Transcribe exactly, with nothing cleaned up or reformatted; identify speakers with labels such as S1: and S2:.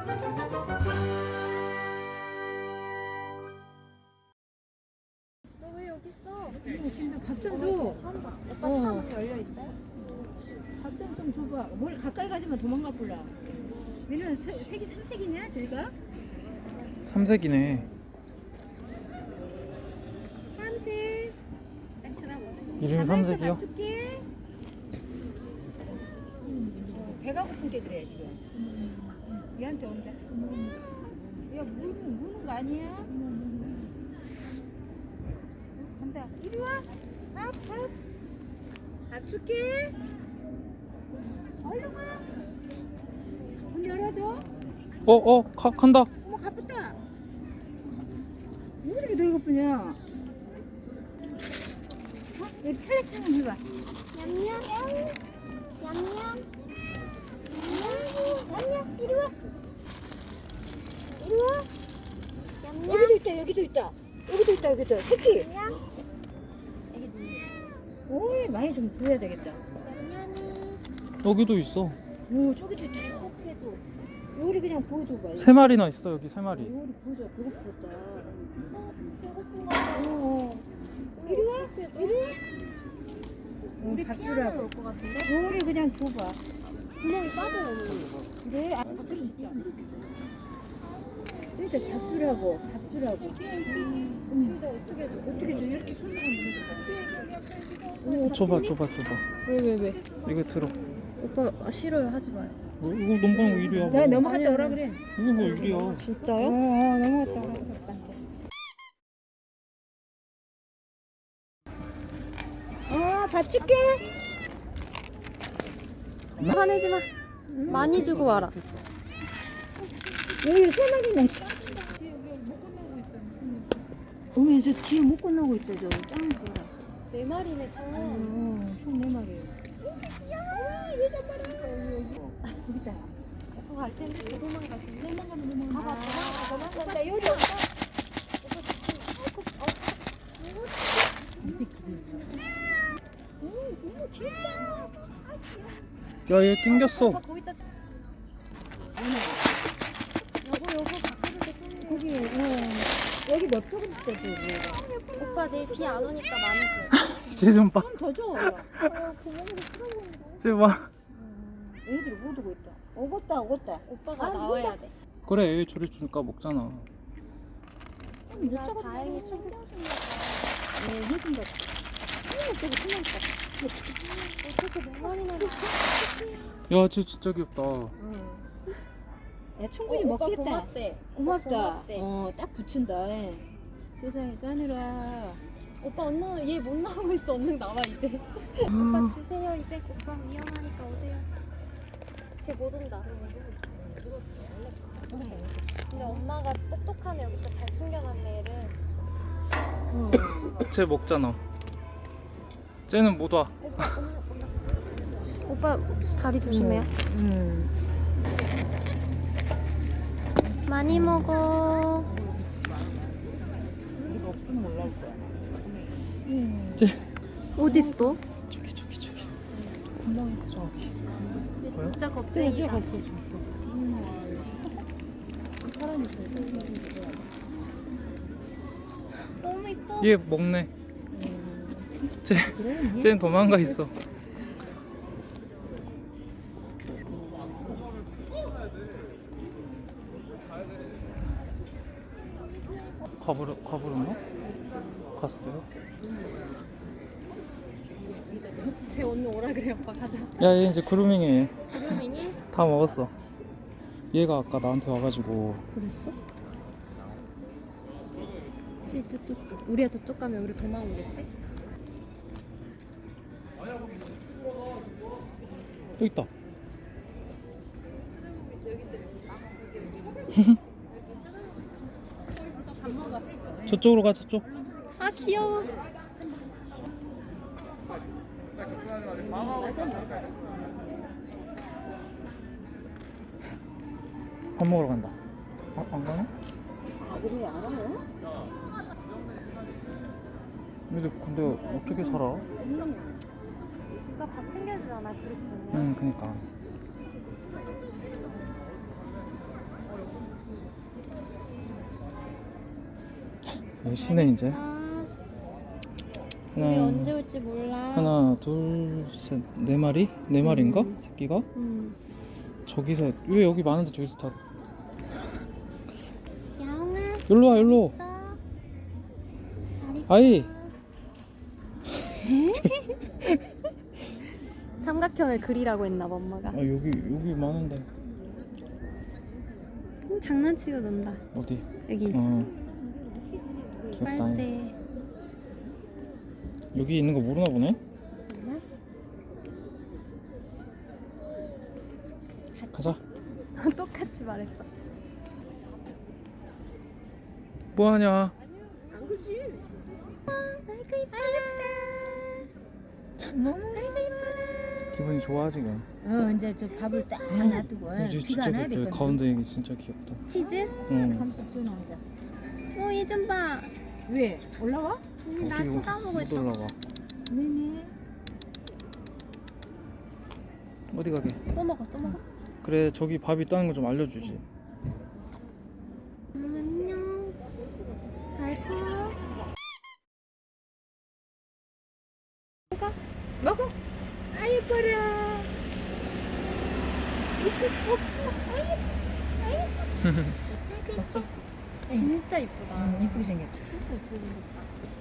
S1: 너 왜 여기 있어?
S2: 밥 좀 줘.
S1: 오빠
S2: 어.
S1: 차문 열려 있어요?
S2: 밥 좀 좀 줘봐. 뭘 가까이 가지면 도망가 볼라. 얘는 세, 색이 삼색이냐 저희가?
S3: 삼색이네.
S2: 삼색. 딱 쳐다보네.
S3: 이름이
S2: 가만히 있어,
S3: 삼색이요?
S2: 밥 줄게. 어, 배가 고픈 게 그래 지금. 얘한테 온다. 야 무는 무는 거 아니야? 간다. 이리 와. 밥 밥. 밥 줄게. 얼른 와. 문 열어줘.
S3: 어, 어, 가, 간다.
S2: 어머 가쁘다. 왜 이렇게 늙었쁘냐? 어? 여기 찰랑찰랑 해봐.
S1: 냠냠. 냠냠.
S2: 냠냠 이리 와. 이리 와.
S1: 냠냠.
S2: 여기도 있다 여기도 있다. 여기도 있다 여기도 새끼.
S1: 냠냠.
S2: 오이 많이 좀 줘야 되겠다.
S1: 냠냠이.
S3: 여기도 있어.
S2: 오 저기도 있다.
S1: 코피도.
S2: 요리 그냥 부어줘봐.
S3: 세 마리나 있어, 여기 세 마리.
S2: 요리 부어줘. 배고프겠다.
S1: 어, 배고픈 거 같아.
S2: 어. 이리 와. 이리 와.
S1: 우리
S2: 밥
S1: 피아노
S2: 주라고.
S1: 올것 같은데?
S2: 요리 그냥 줘봐.
S1: 구멍이 빠져요, 어머니.
S2: 그래? 아, 밥 그릇 있다. 저기다 밥 주라고. 밥 주라고. 응.
S1: 저희가 어떻게 줘?
S2: 어떻게 줘? 이렇게 손으로 하면 돼.
S3: 줘봐, 줘봐, 줘봐.
S1: 왜, 왜, 왜?
S3: 이거 들어.
S1: 오빠 아, 싫어요, 하지 마요.
S3: 뭐, 이거 넘어가는 거 일이야.
S2: 내가
S3: 뭐.
S2: 넘어갔다 오라 그래.
S3: 이거 뭐 일이야.
S2: 어,
S1: 진짜요?
S2: 어 넘어갔다 오라. 어, 밥 줄게.
S1: 화내지 마. 많이 주고 와라.
S2: 여기 세 마리나 있다. 어머, 저 뒤에 못 건너고 있다, 저. 짱 보라.
S1: 네 마리네, 총.
S2: 어, 총 네 마리예요. 귀여워. 얘 잡아라. 여기다.
S1: 오빠 갈 텐데, 도망갈 텐데. 도망가면 도망가.
S2: 아,
S1: 도망가, 도망가.
S2: 나 여기
S1: 오빠
S2: 밑에 길이 있어. 오, 너무 귀엽다.
S3: 야, 얘 낑겼어.
S1: 오빠 거기다 줘. 여보, 여보, 바꿔줄 때 끊네.
S2: 거기, 어, 여기 몇 조금 있어, 저기.
S1: 오빠 내일 비 안 오니까 많이 줘.
S3: 쟤좀 봐.
S2: 좀 더 줘.
S1: 어, 구멍으로 풀어보는데.
S3: 쟤 봐.
S2: 애들이 못 오고 있다. 오겠다, 오겠다.
S1: 오빠가
S2: 아,
S1: 나와야 돼.
S3: 그래, 얘 저리 주니까 먹잖아.
S2: 몇
S1: 나
S2: 조금
S1: 다행히 챙겨준다.
S2: 네, 해준다.
S1: 어머, 되게 신나겠다. 어떻게 네 마리나
S3: 야, 쟤 진짜 귀엽다.
S2: 응. 야, 충분히
S1: 어, 오빠
S2: 먹겠다.
S1: 고맙대.
S2: 고맙다.
S1: 오빠 고맙대.
S2: 어, 딱 붙인다. 예. 세상에 짜느라.
S1: 오빠 얼른 얘 못 나오고 있어. 얼른 나와 이제. 오빠 주세요 이제. 오빠 위험하니까 오세요. 쟤 못 온다. 근데 엄마가 똑똑하네. 여기다 잘 숨겨놨네 얘를.
S2: 어.
S3: 쟤 먹잖아. 쟤는 못 와.
S1: 오빠 엄마, 엄마. 오빠 다리 조심해요.
S2: 음.
S1: 많이 먹어.
S2: 이거 없으면 올라올 거야.
S3: 쟤
S1: 어딨어?
S3: 저기, 저기, 저기. 금방 저기.
S1: 쟤
S3: 뭐야?
S1: 진짜 겁쟁이다.
S2: 사람 있어.
S1: 너무 이뻐.
S3: 얘 먹네. 쟤,
S2: 그래?
S3: 쟤는 도망가 있어. 가버려, 가버렸나? 갔어요?
S1: 쟤 언니 오라 그래. 오빠 가자.
S3: 야, 얘 이제 그루밍해.
S1: 그루밍이?
S3: 다 먹었어. 얘가 아까 나한테 와가지고.
S1: 그랬어? 쟤 저쪽 우리가 저쪽 가면 우리 도망오겠지?
S3: 또 있다. 저쪽으로 가, 저쪽.
S1: 아 귀여워.
S3: 밥 먹으러 간다. 아, 안 가나?
S2: 아, 그래, 알아요?
S3: 근데, 근데 어떻게 살아?
S1: 오빠 밥 챙겨주잖아 그릇 보면.
S3: 응, 그니까. 쉬네 이제.
S1: 아, 우리
S3: 하나,
S1: 언제 올지 몰라.
S3: 하나, 둘, 셋, 네 마리? 네 마리인가? 새끼가?
S1: 음.
S3: 저기서 왜 여기 많은데 저기서 다
S1: 야옹아.
S3: 일로 와 일로. 아이.
S1: 삼각형을 그리라고 했나봐 엄마가.
S3: 아 여기 여기 많은데.
S1: 음, 장난치고 논다.
S3: 어디?
S1: 여기
S3: 어. 귀엽다.
S1: 빨대.
S3: 여기 있는 거 모르나 보네. 가자.
S1: 똑같이 말했어.
S3: 뭐 하냐?
S2: 안 그렇지.
S1: 아이고 이쁘다.
S2: 너무
S3: 기분이 좋아 지금.
S2: 어 이제 저 밥을 딱 놔두고
S3: 이제
S2: 비가
S3: 진짜
S2: 안 와야
S3: 그
S2: 되거든.
S3: 가운데 이게 진짜 귀엽다.
S1: 치즈?
S3: 응.
S2: 감속 주는데.
S1: 어, 얘 좀 봐.
S2: 왜 올라와?
S1: 언니 나
S3: 어떻게
S1: 쳐다보고
S3: 못
S1: 있다.
S3: 올라가.
S2: 네네.
S3: 어디 가게?
S1: 또 먹어, 또 먹어.
S3: 그래 저기 밥 있다는 거 좀 알려주지.
S1: 음, 안녕. 잘 커.
S2: 먹어. 아 예뻐라.
S1: 진짜 이쁘다.
S2: 응, 이쁘게 생겼다.
S1: 진짜 이쁘게 생겼다.